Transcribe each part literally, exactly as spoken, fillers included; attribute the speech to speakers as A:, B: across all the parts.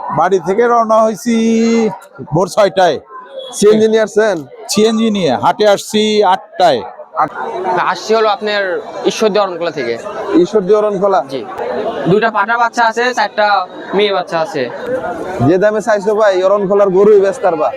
A: বাড়ি থেকে রওনা হয়েছি ভোর ছয়টায়।
B: সিএনজি নিয়ে আসছেন?
A: সিএনজি নিয়ে হাটে আসছি আটটায়।
C: আসছি হলো আপনার ঈশ্বরদী অরণকলা থেকে।
B: ঈশ্বরদী অরণকলা?
C: জি, দুইটা পাঠা বাচ্চা আছে, চারটা মেয়ে বাচ্চা আছে।
B: যে দামে চাইছো ভাই অরণকলার গরুই বেচতার বা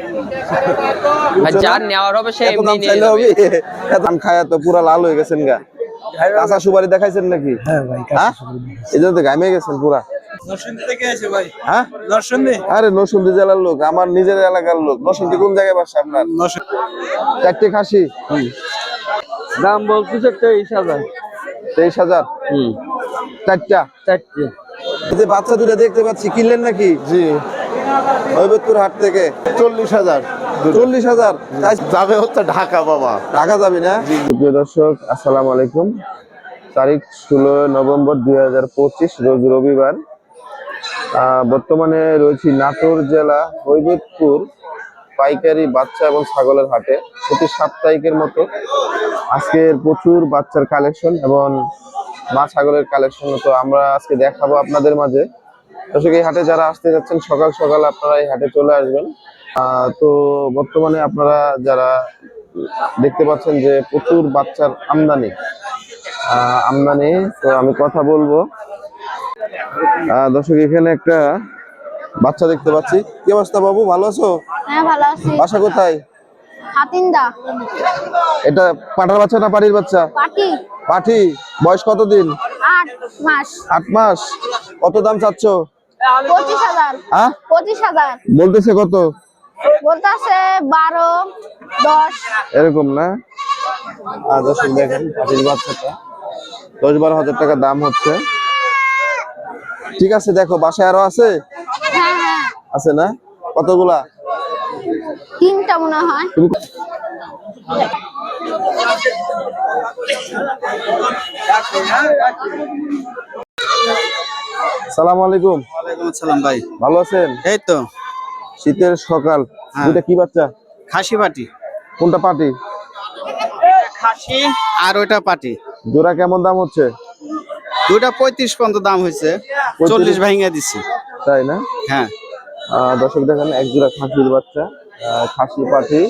C: ভাই যার নেওয়ার হবে সে
B: এত
C: এমনি
B: দাম
C: নিয়ে
B: চাইলে
C: যাবে।
B: হবে? ধান খায়া তো পুরা লাল হয়ে গেছেন গা। কাঁচা সুপারি দেখাইছেন নাকি?
D: হ্যাঁ ভাই,
B: হ্যাঁ এই জন্য তো ঘামে গেছেন পুরা।
D: নরসিংদী থেকে এসে ভাই।
B: হ্যাঁ
D: নরসিংদী?
B: আরে নরসিংদী জেলার লোক, আমার নিজের এলাকার লোক। নরসিংদী কোন জায়গায় বাসা আপনার? চারটে খাসি
D: দাম বলতেছে তেইশ হাজার।
B: তেইশ হাজার চারটা?
D: চারটে।
B: এই যে বাচ্চা দুটা দেখতে পাচ্ছি, কিনলেন নাকি? জি, নৈবেদপুর হাট থেকে।
E: চল্লিশ হাজার
B: চল্লিশ হাজার
E: যাবে হচ্ছে ঢাকা বাবা।
B: টাকা যাবে না? প্রিয় দর্শক আসসালামু আলাইকুম। তারিখ ষোলো নভেম্বর দুই হাজার পঁচিশ, রোজ রবিবার। আহ, বর্তমানে রয়েছি নাটোর জেলা নৈবেদপুর পাইকারি বাচ্চা এবং ছাগলের হাটে। প্রতি সাপ্তাহিকের মতো আজকের প্রচুর বাচ্চার কালেকশন এবং মা ছাগলের কালেকশন তো আমরা আজকে দেখাবো আপনাদের মাঝে। দর্শক এই হাটে যারা আসতে যাচ্ছেন সকাল সকাল আপনারা এই হাটে চলে আসবেন। আহ তো বর্তমানে আপনারা যারা দেখতে পাচ্ছেন যে প্রচুর বাচ্চার আমদানি আহ আমদানি তো আমি কথা বলবো। আহ দর্শক এখানে একটা বাচ্চা দেখতে পাচ্ছি। কি অবস্থা বাবু, ভালো আছো?
F: হ্যাঁ ভালো আছি।
B: বাসা কোথায়?
F: হাতিন্দা।
B: এটা পাঠার বাচ্চা না পাটির বাচ্চা?
F: পাটি।
B: পাঠি। বয়স কতদিন?
F: আট মাস।
B: আট মাস। কত দাম চাচ্ছ?
F: পঁচিশ হাজার।
B: হ্যাঁ
F: পঁচিশ হাজার
B: বলতেছে কত?
F: বলতেছে বারো দশ
B: এরকম না? আর দর্শক দেখেন পাটির বাচ্চাটা দশ বারো হাজার টাকা দাম হচ্ছে। ঠিক আছে, দেখো বাসায় আরো আছে?
F: হ্যাঁ হ্যাঁ
B: আছে না? কতগুলা?
F: তিনটা মনে হয়।
B: তুমি সালামু আলাইকুম।
D: ওয়ালাইকুম আসসালাম ভাই।
B: ভালো আছেন?
D: এই তো
B: শীতের সকাল।
D: হ্যাঁ।
B: দুইটা কি বাচ্চা?
D: খাসি পাটি।
B: কোনটা পাটি?
D: খাসি আর ওইটা পাটি।
B: জোড়া কেমন দাম হচ্ছে?
D: দুইটা পঁয়ত্রিশ পর্যন্ত দাম হয়েছে, চল্লিশ ভাঙিয়ে দিচ্ছি।
B: তাই না?
D: হ্যাঁ।
B: আহ, দর্শক দেখেন এক জোড়া খাসির বাচ্চা, আহ, খাসি পাঠি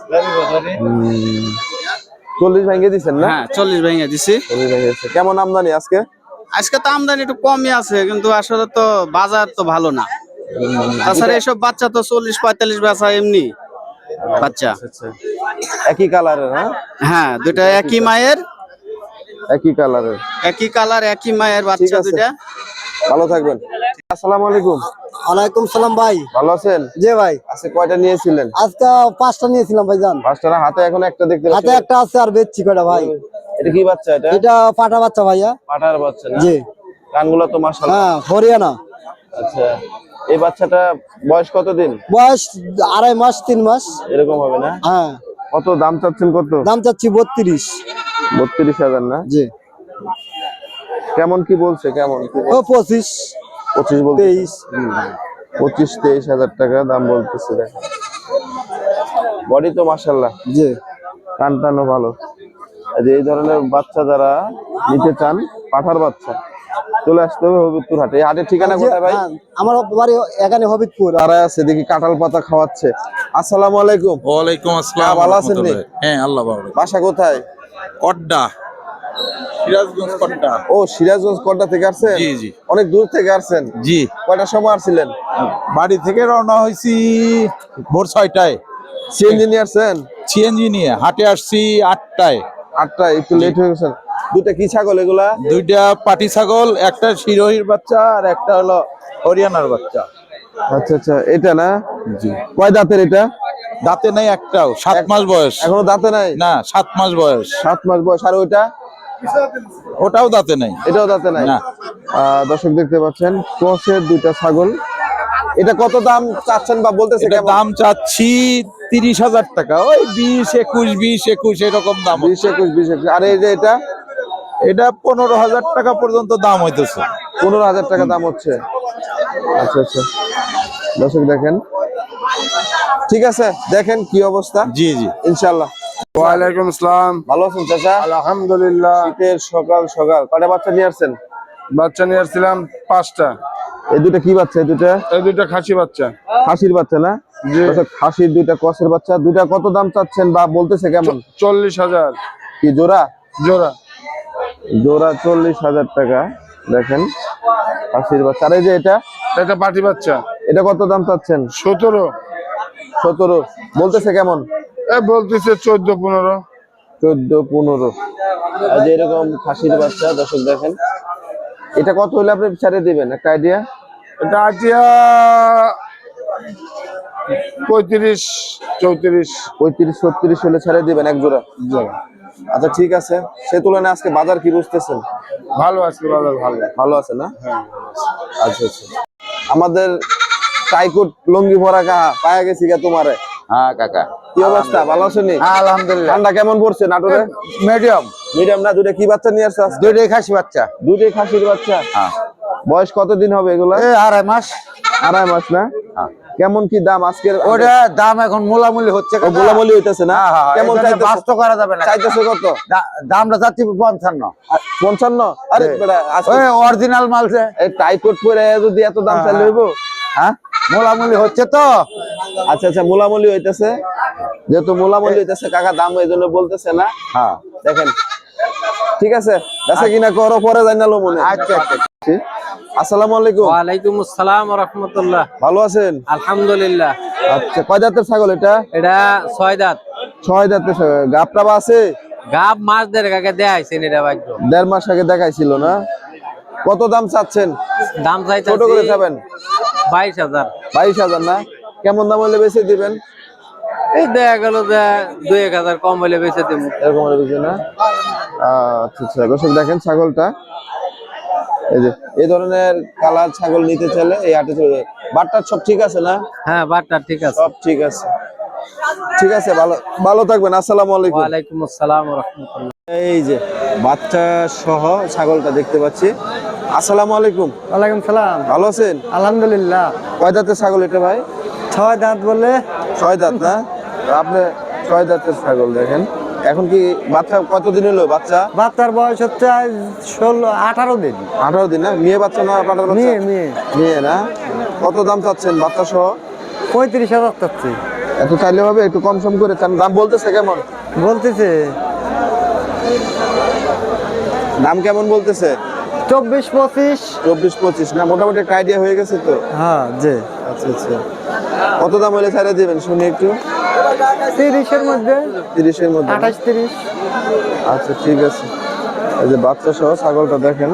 B: উম, চল্লিশ ভেঙে দিচ্ছেন না?
D: হ্যাঁ চল্লিশ ভাঙিয়ে দিচ্ছি।
B: চল্লিশ ভেঙে দিচ্ছে। কেমন আমদানি আজকে?
D: আজকে তো আমদানি একটু কমই আছে, কিন্তু আসলে তো বাজার তো ভালো না। তাছাড়া এসব বাচ্চা তো চল্লিশ পঁয়তাল্লিশ বেচা এমনি বাচ্চা।
B: আচ্ছা, একই কালারের? হ্যাঁ
D: হ্যাঁ, দুটা একই মায়ের,
B: একই কালারের,
D: একই কালার একই মায়ের
B: ঠিক
D: বাচ্চা
B: আছে।
D: দুটা।
B: ভালো থাকবেন। আসসালামু আলাইকুম।
G: ওয়ালাইকুম সালাম ভাই।
B: ভালো আছেন?
G: জি ভাই।
B: আজকে কয়টা নিয়েছিলেন?
G: আজকে পাঁচটা নিয়েছিলাম ভাইজান।
B: পাঁচটা না? হাতে এখন একটা দেখতে
G: হাতে
B: পাচ্ছি।
G: একটা আছে আর বেচছি কয়টা ভাই।
B: এটা কি বাচ্চা? এটা
G: এটা পাঠা বাচ্চা ভাইয়া।
B: পাঠার বাচ্চা না?
G: জি।
B: কানগুলো তো মাশাআল্লাহ।
G: হ্যাঁ হরিয়ানা।
B: আচ্ছা, এই বাচ্চাটা বয়স কতদিন?
G: বয়স আড়াই মাস তিন মাস
B: এরকম হবে না?
G: হ্যাঁ।
B: কত দাম চাচ্ছেন? কত
G: দাম চাচ্ছি বত্রিশ।
B: বত্রিশ হাজার না?
G: জি।
B: কেমন কি বলছে? কেমন কি
G: ও পঁচিশ
B: পঁচিশ বলতে?
G: তেইশ।
B: পঁচিশ তেইশ হাজার টাকা দাম বলতেছে। দেখেন বডি তো মাশাআল্লাহ।
G: জি।
B: কান টানও ভালো। এই যে এই ধরনের বাচ্চা যারা নিতে চান, পাঠার বাচ্চা, চলে আসতে হবে হবিবপুর হাটে। এই হাটের ঠিকানা কোথায় ভাই?
G: হ্যাঁ, আমার বাড়ি এখানে হবিবপুর।
B: তারা আছে দেখি কাঁঠাল পাতা খাওয়াচ্ছে। আসসালামু আলাইকুম।
A: ওয়ালাইকুম আসসালাম।
B: হ্যাঁ, ভালো আছেন নি?
A: হ্যাঁ আল্লাহ ভালো।
B: বাসা কোথায়?
A: কড্ডা, সিরাজগঞ্জ কড্ডা।
B: ও সিরাজগঞ্জ কড্ডা থেকে আসছেন?
A: জি জি
B: অনেক দূর থেকে আসছেন?
A: জি।
B: কয়টার সময় আসছিলেন?
A: বাড়ি থেকে রওনা হয়েছি ভোর ছয়টায়।
B: সিএনজি নিয়ে আসছেন?
A: সিএনজি নিয়ে হাটে আসছি আটটায়।
B: আটটা? একটু লেট হয়ে গেছেন। দুটা কি ছাগল এগুলা?
A: দুইটা পাটি ছাগল, একটা শিরোহির বাচ্চা আর একটা হলো হরিয়ানার বাচ্চা।
B: আচ্ছা আচ্ছা, এটা না?
A: জি।
B: কয় দাঁতের এটা?
A: দাঁতে নাই একটাও, সাত মাস বয়স।
B: এখনো দাঁতে নাই?
A: না, সাত মাস বয়স।
B: সাত মাস বয়স। আর ওইটা?
A: ওটাও দাঁতে নাই।
B: এটাও দাঁতে নাই?
A: না।
B: আহ, দর্শক দেখতে পাচ্ছেন ক্রসের দুইটা ছাগল। এটা কত দাম চাচ্ছেন বা বলতেছে?
A: এটা
B: কেমন?
A: দাম চাচ্ছি তিরিশ হাজার টাকা, ওই বিশ একুশ বিশ একুশ এরকম দাম।
B: বিশ একুশ বিশ একুশ। আর এই যে এটা?
A: এটা পনেরো হাজার টাকা পর্যন্ত দাম হইতেছে।
B: পনেরো হাজার টাকা দাম হচ্ছে। আচ্ছা আচ্ছা, দর্শক দেখেন। ঠিক আছে, দেখেন কি অবস্থা।
A: জি জি
B: ইনশাল্লাহ।
E: ওয়ালাইকুম আসসালাম।
B: ভালো আছেন চাচা?
E: আলহামদুলিল্লাহ।
B: শীতের সকাল সকাল কয়টা বাচ্চা নিয়ে আসছেন?
E: বাচ্চা নিয়ে আসছিলাম পাঁচটা।
B: এই দুটা কি বাচ্চা? এই দুটা
E: এই দুইটা খাসি বাচ্চা।
B: খাসির বাচ্চা না? আচ্ছা, খাসির দুইটা কসের বাচ্চা, দুইটা কত দাম চাচ্ছেন বা বলতেছে কেমন?
E: চল্লিশ হাজার
B: কি জোড়া?
E: জোড়া।
B: জোড়া চল্লিশ হাজার টাকা। দেখেন খাসির বাচ্চা। আর এই যে এটা,
E: এটা পাটি বাচ্চা,
B: এটা কত দাম চাচ্ছেন?
E: সতেরো।
B: সতেরো বলতেছে কেমন?
E: এ বলতেছে চোদ্দ পনেরো।
B: চোদ্দ পনেরো। আর যে এরকম খাসির বাচ্চা দর্শক দেখেন, এটা কত হলে আপনি ছেড়ে দিবেন একটা আইডিয়া?
E: এটা আটিয়া পঁয়ত্রিশ চৌত্রিশ।
B: পঁয়ত্রিশ ছত্রিশ হলে ছেড়ে দিবেন এক জোড়া? আচ্ছা ঠিক আছে। সে তুলনায় আজকে বাজার কি বুঝতেছেন?
E: ভালো আছে বাজার, ভালো।
B: ভালো আছে না? আচ্ছা আচ্ছা। আমাদের টাইকুট লঙ্গি ভরা কাহা পায়া গেছি গা তোমারে।
A: হ্যাঁ কাকা,
B: কি অবস্থা, ভালো আছেন?
A: আলহামদুলিল্লাহ।
B: ঠান্ডা কেমন পড়ছে নাটোরে?
A: মিডিয়াম।
B: মিডিয়াম না? দুইটা কি বাচ্চা নিয়ে আসছো আজকে?
A: দুইটাই খাসি বাচ্চা।
B: দুইটাই খাসির বাচ্চা।
A: হ্যাঁ।
B: বয়স কতদিন হবে এগুলা?
A: এই আড়াই মাস।
B: আড়াই মাস না? কেমন কি দাম আজকের?
A: ওটা দাম এখন মোলামুলি হচ্ছে।
B: ও গোলামলি হইতেছে না? কেমন চাইতেছে?
A: বাস তো করা যাবে না।
B: চাইতেছে কত?
A: দা- দামটা যাচ্ছে পঞ্চান্ন।
B: পঞ্চান্ন? আরে বেটা, আজকে
A: ওই অরিজিনাল মাল যে।
B: এই টাইকোট পরে যদি এত দাম
A: হ্যাঁ,
B: চাইলে হইব?
A: হ্যাঁ, মোলামুলি হচ্ছে তো।
B: আচ্ছা আচ্ছা, মোলামলি হইতেছে। যেহেতু মোলামলি হইতেছে কাকা দাম এই জন্য বলতেছে না।
A: হ্যাঁ,
B: দেখেন ঠিক আছে, বেচা কিনা করো, পরে জানালো মনে।
A: আচ্ছা আচ্ছা।
B: আসসালামু আলাইকুম।
C: ওয়ালাইকুম আসসালাম ওয়া রাহমাতুল্লাহ।
B: ভালো আছেন?
C: আলহামদুলিল্লাহ।
B: আচ্ছা, কয় দাঁতের ছাগল এটা?
C: এটা ছয় দাঁত।
B: ছয় দাঁতের ছাগল। গাবটা বা আছে?
C: গাব মাছ দেড় আগে দেয়াইছেন এটা ভাগ্য।
B: দেড় মাস আগে দেখাইছিল না? কত দাম চাচ্ছেন?
C: দাম
B: ছোট
C: চাইতেছি
B: করে চাবেন?
C: বাইশ হাজার।
B: বাইশ হাজার না? কেমন দাম হলে বেশি দিবেন?
C: এই দেখা গেল যে দুই এক হাজার কম হলে বেঁচে দেবো।
B: এরকম হলে বেশি না? আচ্ছা আচ্ছা, দর্শক দেখেন ছাগলটা, এই যে এই ধরনের কালার ছাগল নিতে চাইলে এই হাটে চলে যায়। বাটটার সব ঠিক আছে না?
C: হ্যাঁ, বাটটা ঠিক আছে।
B: সব ঠিক আছে। ঠিক আছে, ভালো ভালো থাকবেন। আসসালামু আলাইকুম।
C: ওয়ালাইকুম আসসালাম ওয়া রাহমাতুল্লাহ।
B: এই যে বাচ্চা সহ ছাগলটা দেখতে পাচ্ছি। আসসালামু আলাইকুম।
G: ওয়ালাইকুম সালাম।
B: ভালো আছেন?
G: আলহামদুলিল্লাহ।
B: কয় দাঁতের ছাগল এটা ভাই?
G: ছয় দাঁত বলে।
B: ছয় দাঁত না? আপনি ছয় দাঁতের ছাগল দেখেন। এখন কি বাচ্চা কতদিন হলো? বাচ্চা
G: বাচ্চার বয়স হচ্ছে আজ ষোলো আঠারো দিন।
B: আঠারো দিন না? মেয়ে বাচ্চা না পাঠার বাচ্চা?
G: মেয়ে মেয়ে
B: মেয়ে না? কত দাম চাচ্ছেন বাচ্চা সহ?
G: পঁয়ত্রিশ হাজার চাচ্ছি।
B: এত চাইলে হবে? একটু কম সম করে চান। দাম বলতেছে কেমন?
G: বলতেছে
B: দাম কেমন বলতেছে?
G: চব্বিশ পঁচিশ।
B: চব্বিশ পঁচিশ না? মোটামুটি একটা আইডিয়া হয়ে গেছে তো?
G: হ্যাঁ জি।
B: আচ্ছা আচ্ছা, কত দাম হলে ছাড়া দিবেন শুনি একটু?
G: তিরিশের মধ্যে।
B: তিরিশের মধ্যে না?
G: আঠাশ তিরিশ।
B: আচ্ছা ঠিক আছে। এই যে বাচ্চা সহ ছাগলটা দেখেন।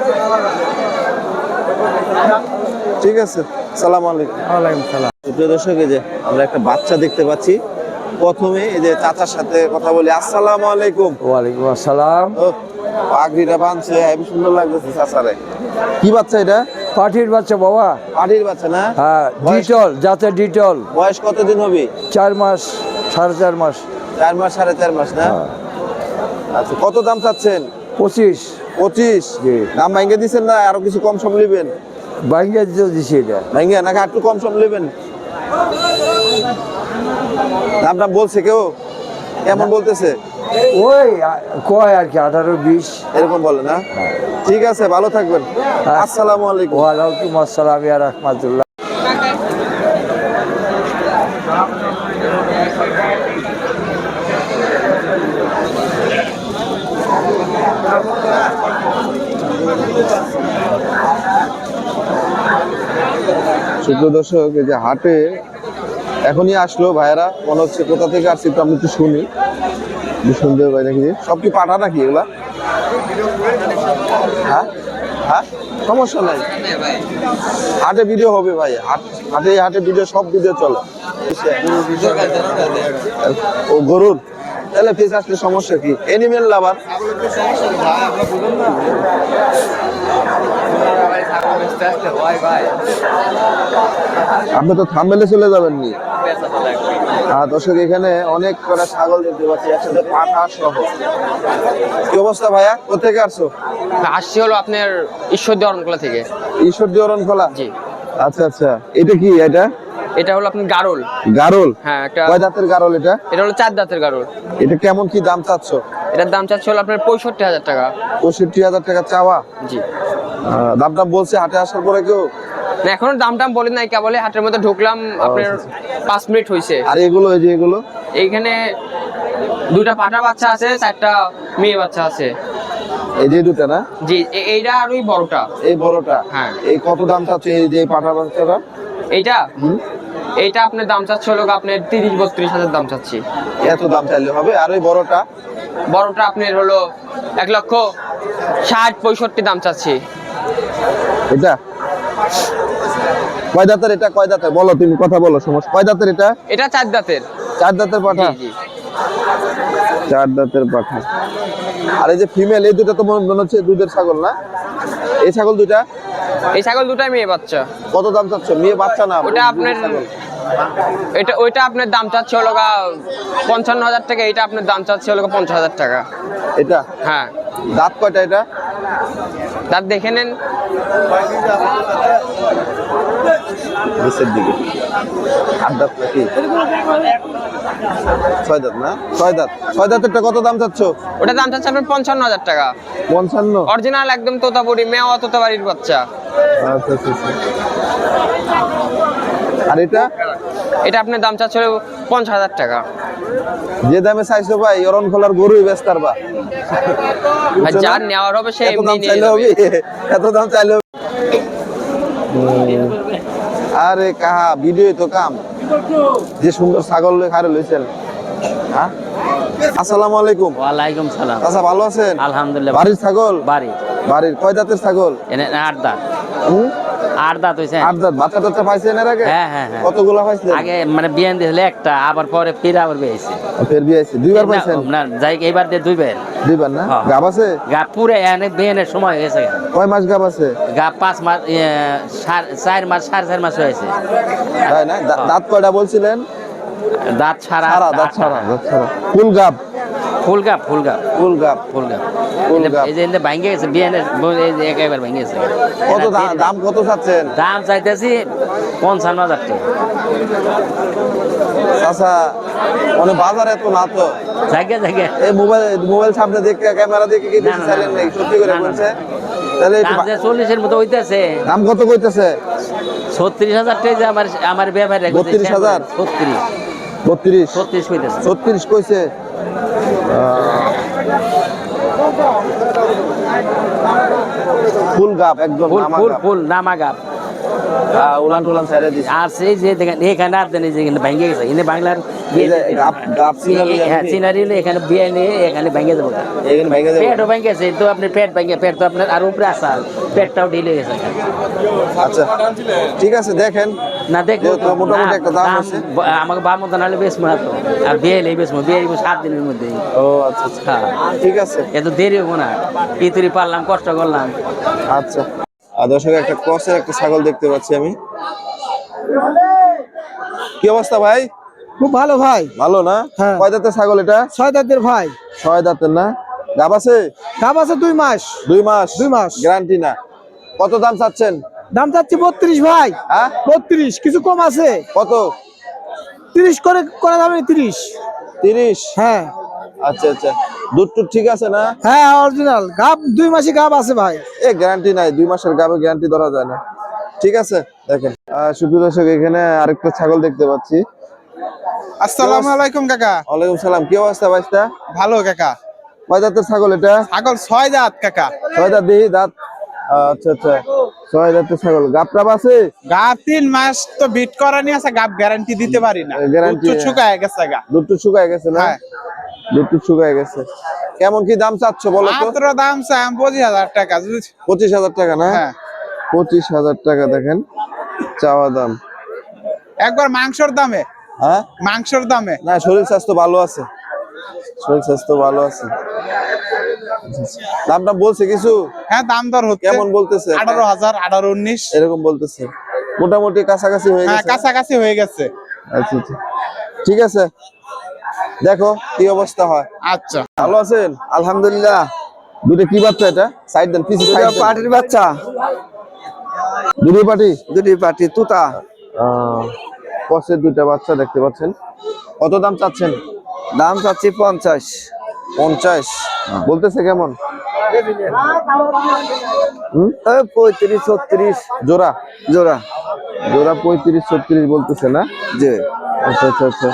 B: ঠিক আছে, সালাম আলাইকুম।
G: ওয়ালাইকুম সালাম।
B: প্রিয় দর্শক, এই যে আমরা একটা বাচ্চা দেখতে পাচ্ছি। প্রথমে এই যে চাচার সাথে কথা বলি। আসসালামু আলাইকুম।
G: ওয়ালাইকুম আসসালাম।
B: ও, পাগড়িটা বাঁধছে, হেবি সুন্দর লাগতেছে চাচারে। কি বাচ্চা এটা?
G: পাঠির বাচ্চা বাবা।
B: পাটির বাচ্চা না?
G: হ্যাঁ,
B: বয়স-
G: ডিটল যাতে ডিটল।
B: বয়স কতদিন হবে?
G: চার মাস সাড়ে চার মাস।
B: চার মাস সাড়ে চার মাস না? আচ্ছা, কত দাম চাচ্ছেন?
G: পঁচিশ।
B: পঁচিশ?
G: জি।
B: দাম ভাঙ্গে দিচ্ছেন না আরো কিছু কম সম নেবেন?
G: বাইঙ্গা দিতে দিছি এটা।
B: ভাঙ্গে নাকি একটু কম সম নেবেন? দাম দাম বলছে কেউ? কেমন বলতেছে?
G: ওই আ- কয় আর কি আঠারো বিশ।
B: এরকম বলে না? ঠিক আছে, ভালো থাকবেন। আসসালামু আলাইকুম।
G: ওয়ালাইকুম আসসালাম ইয়া রাহমাতুল্লাহ।
B: সুপ্রিয় দর্শক, এই যে হাটে এখনই আসলো ভাইয়েরা, মনে হচ্ছে কোথা থেকে আসছে একটু আমি একটু শুনি। সুন্দর ভাই নাকি? সব কি পাঠা নাকি এগুলা? হ্যাঁ হ্যাঁ, সমস্যা নাই, হাটে ভিডিও হবে ভাই। হাট হাটে হাটে ভিডিও, সব ভিডিও চলে। ও গরুর, তাহলে ফিস আসলে সমস্যা কি? Animal lover. আপনি তো থাম্বেলে চলে যাবেন নি? আর দর্শক, এখানে অনেক কটা ছাগল দেখতে পাচ্ছি, একসাথে পাঠা সহ। কি অবস্থা ভাইয়া, কোথেকে আসছো?
C: আসছি হলো আপনার ঈশ্বরদী অরণকোলা থেকে।
B: ঈশ্বরদী অরণকোলা?
C: জি।
B: আচ্ছা আচ্ছা, এটা কি? এটা
C: এটা হলো আপনার গারল।
B: গারল?
C: হ্যাঁ, একটা
B: কয় দাঁতের গারল এটা?
C: এটা হলো চার দাঁতের গারল।
B: এটা কেমন কি দাম চাচ্ছ?
C: এটার দাম চাচ্ছে হলো আপনার পঁয়ষট্টি হাজার টাকা।
B: পঁয়ষট্টি হাজার টাকা চাওয়া?
C: জি।
B: আহ, দাম দাম বলছে হাটে আসার পরে কেউ?
C: না, এখনো দাম টাম বলেন নাই, কেবলে হাটের মধ্যে ঢুকলাম আপনার পাঁচ মিনিট হয়েছে।
B: আর এগুলো এই যে এগুলো
C: এইখানে দুটা পাটা বাচ্চা আছে, চারটা মেয়ে বাচ্চা আছে।
B: এই যে দুটা না?
C: জি, এ- এইটা আর ওই বড়টা।
B: এই বড়টা?
C: হ্যাঁ।
B: এই কত দাম চাচ্ছে এই যে পাঠা বাচ্চাটা?
C: এইটা এইটা আপনার দাম চাচ্ছে হলো আপনার তিরিশ বত্রিশ হাজার দাম চাচ্ছি।
B: এত দাম চাইলে হবে? আর ওই বড়টা?
C: বড়টা আপনার হলো এক লক্ষ ষাট পঁয়ষট্টি দাম চাচ্ছি।
B: এটা কয় দাঁতের? এটা কয় দাঁতের বলো, তুমি কথা বলো। সমস্যা কয় দাঁতের এটা?
C: এটা চার দাঁতের।
B: চার দাঁতের পাঠা?
C: জি জি।
B: চার দাঁতের পাঠা। আর এই যে ফিমেল, এই দুটো তো মনে হচ্ছে দুধের ছাগল না? এই ছাগল দুটা?
C: এই ছাগল দুটাই মেয়ে বাচ্চা।
B: কত দাম চাচ্ছ? মেয়ে বাচ্চা না,
C: ওটা আপনার এটা ওইটা আপনার দাম চাচ্ছে হলো গা পঞ্চান্ন হাজার টাকা, এটা আপনার দাম চাচ্ছে হলো গা পঞ্চাশ হাজার টাকা।
B: এটা
C: হ্যাঁ।
B: দাঁত কয়টা এটা?
C: দাঁত দেখে নেন।
B: নিচের দিকে আট দাঁত নাকি? ছয় দাঁত না? ছয় দাঁত। ছয় দাঁতেরটা কত দাম চাচ্ছ?
C: ওটা দাম চাচ্ছে আপনার পঞ্চান্ন হাজার টাকা।
B: পঞ্চান্ন?
C: অরিজিনাল একদম তোতাপুরি মেওয়া তোতাবাড়ির বাচ্চা।
B: আচ্ছা আচ্ছা আচ্ছা। আর এটা?
C: এটা আপনার দাম চাচ্ছে হলো পঞ্চাশ হাজার টাকা।
B: যে দামে চাইছো ভাই, অরণ খোলার গরুই বেচতে পারবা।
C: আর যার নেওয়ার হবে সে
B: এত
C: এমনি
B: দাম
C: নিয়ে
B: চাইলে
C: যাবে।
B: হবে? এত দাম চাইলে হবে? আরে কাহা ভিডিও তো কাম। যে সুন্দর ছাগল খারে লইছেন। হ্যাঁ, আসসালামু আলাইকুম।
H: ওয়ালাইকুম সালাম।
B: আচ্ছা, ভালো আছেন?
H: আলহামদুলিল্লাহ।
B: বাড়ির ছাগল?
H: বাড়ি
B: বাড়ির কয় দাঁতের ছাগল?
H: এনে আট দাঁত।
B: হুম?
H: আট দাঁত হইছে।
B: আট দাঁত। বাচ্চা টাচ্চা পাইছেন এর আগে?
H: হ্যাঁ হ্যাঁ হ্যাঁ।
B: কতগুলো পাইছেন?
H: আগে মানে বিয়ান দিয়েছিল একটা, আবার পরে ফির আবার বেয়েছে।
B: ফের বিয়েছে দুইবার পাইছেন?
H: না যাই এইবার দিয়ে দুইবার।
B: দুইবার না?
H: হ্যাঁ।
B: গাব আছে?
H: গা পুরে এনে বিয়ানের সময় হয়ে গেছে।
B: কয় মাস গাব আছে?
H: গা পাঁচ মাস ইয়ে, সার- চার মাস সাড়ে চার মাস হয়েছে।
B: তাই না? দা- দাঁত কয়টা বলছিলেন?
H: দাঁত ছাড়া
B: ছাড়া, দাঁত
H: আটটা।
B: ছাড়া, দাঁত ছাড়া। ফুল গাব?
H: ফুল গাপ ফুল গাপ
B: ফুল গাব।
H: ফুল গাপ।
B: ফুল গাব।
H: এই যে এনে ভাঙ্গে গেছে বিয়ানের, এই যে একেবারে ভাঙ্গে গেছে।
B: কত দা- দাম কত চাচ্ছেন?
H: দাম চাইতেছি পঞ্চান্ন হাজার টাকা।
B: আচ্ছা, মানে বাজার এত না তো।
H: জায়গা জায়গা
B: এই মোবাইল মোবাইল সামনে দেখে, ক্যামেরা দেখে কি
H: না,
B: বেশি
H: না,
B: চাইলেন
H: না,
B: নাকি? সত্যি করে
H: না, না,
B: বলছে?
H: না।
B: তাহলে একটু
H: দাম
B: বা-
H: যে চল্লিশের মতো হইতেছে।
B: দাম কত কইতেছে?
H: ছত্রিশ হাজার টাকা যে আমার আমার ব্যবহার
B: বত্রিশ হাজার?
H: ছত্রিশ
B: বত্রিশ?
H: ছত্রিশ হইতেছে।
B: ছত্রিশ কইছে? ফুল গাব একদম
H: ফুল
B: নামা
H: ফুল
B: গাব।
H: ফুল নামা গাপ।
B: আহ, উলান টুলান ছেড়ে দিছে।
H: আর সেই যে দেখেন এখানে আর দেন এই যে এখানে ভেঙে গেছে, এখানে বাংলার
B: এই যে গাব গাব সিনারি
H: হ্যাঁ সিনারি হলে এখানে বিয়ে নিয়ে এখানে ভেঙে যাবো।
B: এখানে ভেঙে যাবে।
H: পেটও ভেঙে গেছে তো, আপনার পেট ভেঙে, পেট তো আপনার আর উপরে আসাল, পেটটাও ঢিলে গেছে।
B: আচ্ছা, ঠিক আছে, দেখেন।
H: না দেখো
B: যেহেতু মোটামুটি একটা দাম আছে।
H: আমাকে বাম মতন হলে বেশ মনে হতো। আর বিয়ে এলে বেশ বিয়ে সাত দিনের মধ্যে।
B: ও আচ্ছা আচ্ছা,
H: হ্যাঁ
B: ঠিক আছে।
H: এত দেরি হবো না, পিতুরি পারলাম, কষ্ট করলাম।
B: আচ্ছা, আর দর্শক একটা ক্রসের একটা ছাগল দেখতে পাচ্ছি আমি। কি অবস্থা ভাই?
A: খুব ভালো ভাই।
B: ভালো না?
A: হ্যাঁ।
B: কয় দাঁতের ছাগল এটা?
A: ছয় দাঁতের ভাই।
B: ছয় দাঁতের না? গাব আছে?
A: দাম আছে দুই মাস।
B: দুই মাস?
A: দুই মাস।
B: গ্যারান্টি না? কত দাম চাচ্ছেন?
A: দাম চাচ্ছি বত্রিশ ভাই।
B: হ্যাঁ,
A: বত্রিশ, কিছু কম আছে?
B: কত?
A: তিরিশ করে করা যাবে? তিরিশ।
B: তিরিশ?
A: হ্যাঁ
B: আচ্ছা আচ্ছা, দুধ টুধ ঠিক আছে না?
A: হ্যাঁ, অরিজিনাল গাব, দুই মাসি গাব আছে ভাই।
B: এ গ্যারান্টি নাই, দুই মাসের গাবে গ্যারান্টি ধরা যায় না। ঠিক আছে, দেখেন। আহ, সুপ্রিয় দর্শক, এখানে আরেকটা ছাগল দেখতে পাচ্ছি।
I: আসসালামু আলাইকুম কাকা।
B: ওয়ালাইকুম সালাম। কি অবস্থা ভাইস্তা?
I: ভালো কাকা।
B: কয় দাঁতের ছাগল এটা?
I: ছাগল ছয় দাঁত কাকা।
B: ছয় দাঁত? দেখি দাঁত। আচ্ছা আচ্ছা, ছয় দাঁতের ছাগল। গাব টাব আছে?
I: গাব তিন মাস তো বিট করা নিয়ে আছে, গাব গ্যারান্টি দিতে পারি না।
B: গ্যারান্টি
I: দুধ তো শুকায় গেছে গা।
B: দুধ টুধ শুকায় গেছে না?
I: হ্যাঁ।
B: দুধ টুধ শুকায় গেছে। কেমন কি দাম চাচ্ছ বলো তো?
I: মাত্র দাম চাই পঁচিশ হাজার টাকা।
B: পঁচিশ হাজার টাকা না?
I: হ্যাঁ।
B: পঁচিশ হাজার টাকা দেখেন চাওয়া দাম।
I: একবার মাংসর দামে।
B: হ্যাঁ,
I: মাংসর দামে।
B: না, শরীর স্বাস্থ্য ভালো আছে, শরীর স্বাস্থ্য ভালো আছে। দামটা বলছে কিছু?
I: হ্যাঁ, দাম দর হচ্ছে।
B: কেমন বলতেছে?
I: আঠারো হাজার, আঠারো উনিশ
B: এরকম বলতেছে। মোটামুটি কাছাকাছি হয়ে
I: হ্যাঁ,
B: গেছে।
I: কাছাকাছি হয়ে গেছে।
B: আচ্ছা আচ্ছা, ঠিক আছে, দেখো কি অবস্থা হয়।
I: আচ্ছা,
B: ভালো আছেন? আলহামদুলিল্লাহ। দুটো কি বাচ্চা এটা? সাইড দেন, পিছে সাইড দেন।
A: পাটির বাচ্চা।
B: দুটো পাটি?
A: দুটি পাটি তুতা।
B: কসের দুইটা বাচ্চা দেখতে পাচ্ছেন। কত দাম চাচ্ছেন?
A: দাম চাচ্ছি পঞ্চাশ।
B: পঞ্চাশ বলতেছে। কেমন? হুম?
A: পঁয়ত্রিশ ছত্রিশ
B: জোড়া
A: জোড়া
B: জোড়া পঁয়ত্রিশ ছত্রিশ বলতেছে না?
A: যে
B: আচ্ছা আচ্ছা আচ্ছা।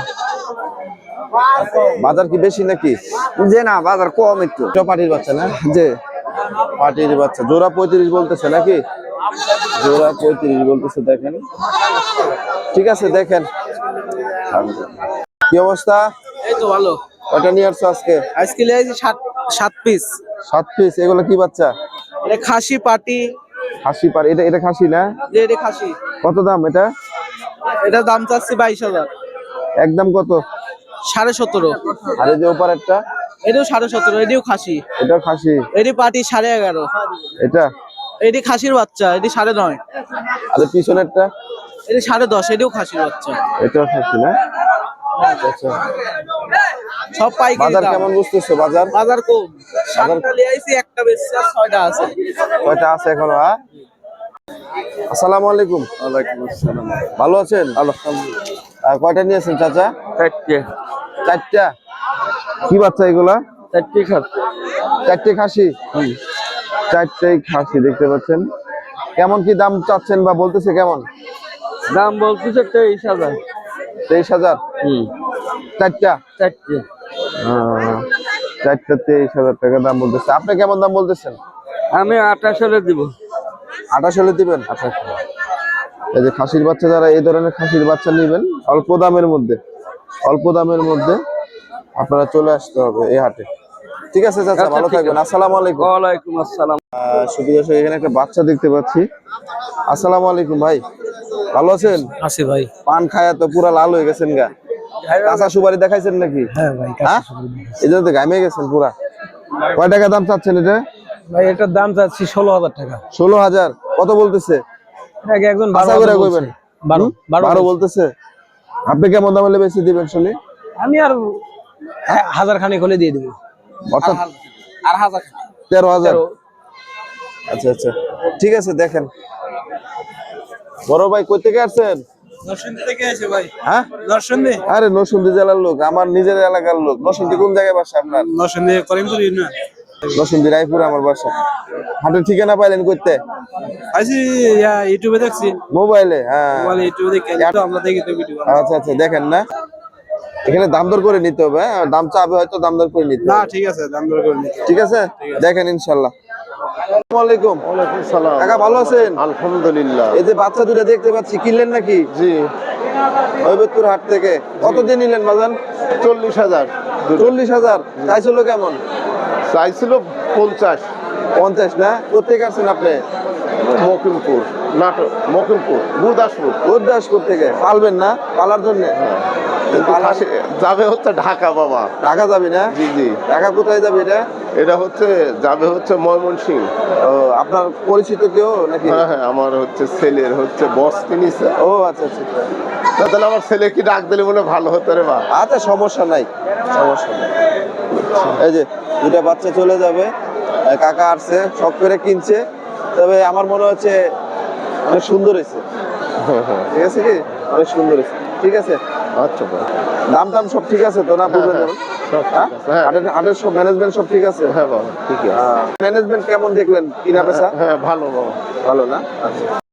B: বাজার কি বেশি নাকি?
A: যে না বাজার কম একটু।
B: এটা পাটির বাচ্চা না?
A: যে
B: পাটির বাচ্চা জোড়া পঁয়ত্রিশ বলতেছে নাকি? জোড়া পঁয়ত্রিশ বলতেছে, দেখেন। ঠিক আছে, দেখেন কি অবস্থা।
D: এই তো ভালো।
B: ওটা নিয়ে আসছো আজকে?
D: আজকে লিয়েছি সাত সাত পিস।
B: সাত পিস। এগুলো কি বাচ্চা?
D: এটা খাসি পাটি।
B: খাসি পার, এটা এটা খাসি না?
D: যে এটা খাসি।
B: কত দাম এটা?
D: এটা দাম চাচ্ছি বাইশ হাজার।
B: একদম কত?
D: সাড়ে সতেরো।
B: আর এই যে ওপারেরটা?
D: এটাও সাড়ে সতেরো। এটিও খাসি।
B: এটা খাসি।
D: এটি পাটি সাড়ে এগারো।
B: এটা
D: এটি খাসির বাচ্চা। এটি সাড়ে নয়।
B: আর এই পিছনেরটা?
D: এটি সাড়ে দশ। এটিও খাসির বাচ্চা।
B: এটা খাসি না? আচ্ছা আচ্ছা।
D: সব পাইকারি
B: বাজার
D: দাম।
B: কেমন বুঝতেছো? বাজার
D: বাজার কম। সাতটা লিয়েছি, একটা বেশি আর ছয়টা আছে।
B: কয়টা আছে এখনো? হ্যাঁ, আসসালামু আলাইকুম।
A: ওয়ালাইকুম আসসালাম।
B: ভালো আছেন? আলহামদুলিল্লাহ। কয়টা নিয়েছেন চাচা?
G: চারটে
B: চারটা। কি বাচ্চা এগুলা?
G: চারটে খাস
B: চারটে খাসি। চারটেই খাসি দেখতে পাচ্ছেন। কেমন কি দাম চাচ্ছেন বা বলতেছে কেমন?
G: দাম বলতেছে তেইশ হাজার।
B: তেইশ হাজার
G: হুম
B: চারটা?
G: চারটে
B: আহ, চারটা তেইশ হাজার টাকা দাম বলতেছে। আপনি কেমন দাম বলতেছেন?
G: আমি আঠাশ হলে দিব।
B: আঠাশ হলে দিবেন? আঠাশ। এই যে খাসির বাচ্চা, যারা এই ধরনের খাসির বাচ্চা নেবেন অল্প দামের মধ্যে, অল্প দামের মধ্যে আপনারা চলে আসতে হবে এই হাটে। ঠিক আছে চাচা, ভালো থাকবেন। আসসালামু আলাইকুম।
G: ওয়ালাইকুম আসসালাম।
B: আহ, সুপ্রিয় দর্শক, এখানে একটা বাচ্চা দেখতে পাচ্ছি। আসসালামু আলাইকুম ভাই, ভালো আছেন?
D: আছে ভাই।
B: পান খায়া তো পুরা লাল হয়ে গেছেন গা। কাঁচা সুপারি দেখাইছেন নাকি?
D: হ্যাঁ ভাই।
B: হ্যাঁ, এই জন্য তো ঘামে গেছেন পুরা। কয় টাকা দাম চাচ্ছেন এটা?
D: ভাই এটার দাম চাচ্ছি ষোলো হাজার টাকা।
B: ষোলো হাজার কত বলতেছে?
D: একজন
B: আশা করে কইবেন।
D: বারো
B: বারো বলতেছে। আপনি কেমন দামে বেশি দিবেন শুনি?
D: আমি আর হাজার খানিক হলে দিয়ে দেবো।
B: অর্থাৎ
D: আর হাজার
B: তেরো হাজার। আচ্ছা আচ্ছা, ঠিক আছে। দেখেন বড় ভাই, কই থেকে আসছেন?
D: নরসিংদী থেকে আছে ভাই।
B: হ্যাঁ,
D: নরসিংদী।
B: আরে নরসিংদী জেলার লোক, আমার নিজের এলাকার লোক। নরসিংদী কোন জায়গায় বাসা আপনার?
D: নরসিংদী করিমপুর ইউনিয়ন।
B: নরসিংদী রায়পুর আমার বাসা। হাটের ঠিকানা পাইলেন কইতে?
D: আইছি ইউটিউবে দেখছি।
B: মোবাইলে? হ্যাঁ,
D: মোবাইলে ইউটিউবে দেখে তো আমরা দেখি তো ভিডিও।
B: আচ্ছা আচ্ছা, দেখেন না, এখানে দাম দর করে নিতে হবে। হ্যাঁ, দাম চাবে হয়তো, দাম দর করে নিতে
D: না
B: হবে।
D: ঠিক আছে, দাম দর করে নিতে।
B: ঠিক আছে, দেখেন ইনশাল্লাহ। আসসালামু আলাইকুম।
E: ওয়ালাইকুম সালাম।
B: কাকা ভালো আছেন?
E: আলহামদুলিল্লাহ।
B: এই যে বাচ্চা দুটা দেখতে পাচ্ছি, কিনলেন নাকি?
E: জি।
B: হৈবতপুর হাট থেকে। কত দিয়ে নিলেন বাজান?
E: চল্লিশ হাজার।
B: চল্লিশ হাজার চাইছিল কেমন?
E: চাইছিল পঞ্চাশ।
B: পঞ্চাশ না? কোথেকে আসছেন আপনি?
E: মকিমপুর, নাটক, মকিমপুর, গুরদাসপুর।
B: গুরদাসপুর থেকে। পালবেন না? পালার জন্য
E: কিন্তু খাসি যাবে হচ্ছে ঢাকা বাবা।
B: ঢাকা যাবি না?
E: জি জি।
B: ঢাকা কোথায় যাবে এটা?
E: এটা হচ্ছে যাবে হচ্ছে ময়মনসিংহ।
B: ও, আপনার পরিচিত কেউ নাকি?
E: হ্যাঁ হ্যাঁ, আমার হচ্ছে ছেলের হচ্ছে বস কিনিছে।
B: ও আচ্ছা আচ্ছা।
E: তাহলে আমার ছেলে কি ডাক দিলে বলে ভালো হতো রে বা।
B: আচ্ছা, সমস্যা নাই, সমস্যা নাই। এই যে দুটা বাচ্চা চলে যাবে, আর কাকা আসছে শখ করে কিনছে। তবে আমার মনে হচ্ছে অনেক সুন্দর হয়েছে। ঠিক আছে কি, অনেক সুন্দর হয়েছে। ঠিক আছে,
E: আচ্ছা ভাই।
B: দাম টাম সব ঠিক আছে তো না? বুঝলেন?
E: সব ঠিক আছে, হ্যাঁ।
B: হাটের হাটের সব ম্যানেজমেন্ট সব ঠিক আছে?
E: হ্যাঁ বাবা, ঠিক আছে।
B: ম্যানেজমেন্ট কেমন দেখলেন? কিনা বেচা
E: হ্যাঁ ভালো বাবা।
B: ভালো না? আচ্ছা।